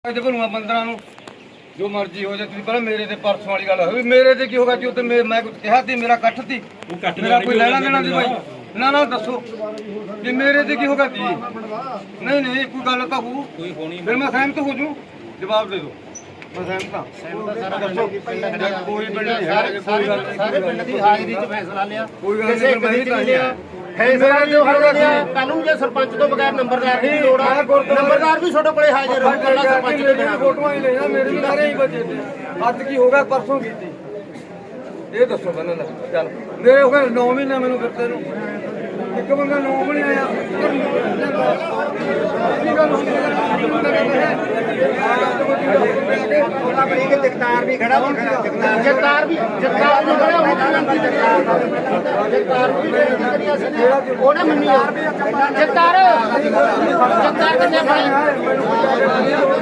ਭਲੂਆ ਬੰਦਰਾਂ ਨੂੰ ਜੋ ਮਰਜ਼ੀ ਹੋ ਜਾਏ। ਤੁਸੀਂ ਪਹਿਲਾਂ ਮੇਰੇ ਤੇ ਪਰਸੋਂ ਵਾਲੀ ਗੱਲ ਹੋਈ, ਮੇਰੇ ਤੇ ਕੀ ਹੋਗਾ ਜੀ? ਉੱਤੇ ਮੈਂ ਕੁਝ ਕਿਹਾ ਸੀ? ਮੇਰਾ ਇਕੱਠ ਸੀ, ਮੇਰਾ ਕੋਈ ਲੈਣਾ ਦੇਣਾ ਸੀ ਭਾਈ? ਨਾ ਦੱਸੋ ਵੀ ਮੇਰੇ ਤੇ ਕੀ ਹੋਗਾ ਜੀ? ਨਹੀਂ ਕੋਈ ਗੱਲ ਤਾਂ ਹੋਊ, ਫਿਰ ਮੈਂ ਸਹਿਮਤ ਹੋ ਜੂ। ਜਵਾਬ ਦੇ ਦਿਓ, ਮੈਂ ਸਹਿਮਤ ਹਾਂ। ਦੱਸੋ ਕੋਈ ਪਿੰਡ ਨਹੀਂ ਹੈ, ਕੋਈ ਗੱਲ ਨਹੀਂ। ਸਾਰੇ ਪਿੰਡ ਦੀ ਹਾਜ਼ਰੀ 'ਚ ਫੈਸਲਾ ਲਿਆ, ਕੋਈ ਗੱਲ ਨਹੀਂ, ਮੈਂ ਵੀ ਤਾਂ ਲਿਆ ਫੈਸਲਾ ਜੋ ਹਰ ਲਿਆ। ਕੱਲ ਨੂੰ ਜੇ ਸਰਪੰਚ ਤੋਂ ਬਗੈਰ ਨੰਬਰਦਾਰ ਦੀ ਲੋੜ ਆ, ਨੰਬਰਦਾਰ ਵੀ ਤੁਹਾਡੇ ਕੋਲੇ ਹਾਜ਼ਰ ਰਹੂ। ਕੱਲਾ ਸਰਪੰਚ ਦੇ ਬਿਨਾਂ ਫੋਟੋਆਂ ਹੀ ਲੈਣਾ, ਮੇਰੇ ਵੀ ਸਾਰੇ ਹੀ ਬਚੇ ਤੇ। ਅੱਜ ਕੀ ਹੋ ਗਿਆ? ਪਰਸੋਂ ਕੀਤੀ। ਇਹ ਦੱਸੋ ਬੰਦਾ ਨਾ ਚੱਲ ਮੇਰੇ ਹੋ ਗਏ 9 ਮਹੀਨੇ ਮੈਨੂੰ ਫਿਰਦੇ ਨੂੰ, ਇੱਕ ਬੰਦਾ 9 ਵੀ ਨਹੀਂ ਆਇਆ। ਕੀ ਗੱਲ ਹੁੰਦੀ ਹੈ? ਜਗਤਾਰ ਵੀ ਖੜਾ ਜਗਤਾਰ ਵੀ ਖੜਾ ਜਗਤਾਰ ਵੀ ਉਹਨੇ ਮੰਨੀ ਜਗਤਾਰ ਕਿੰਨੇ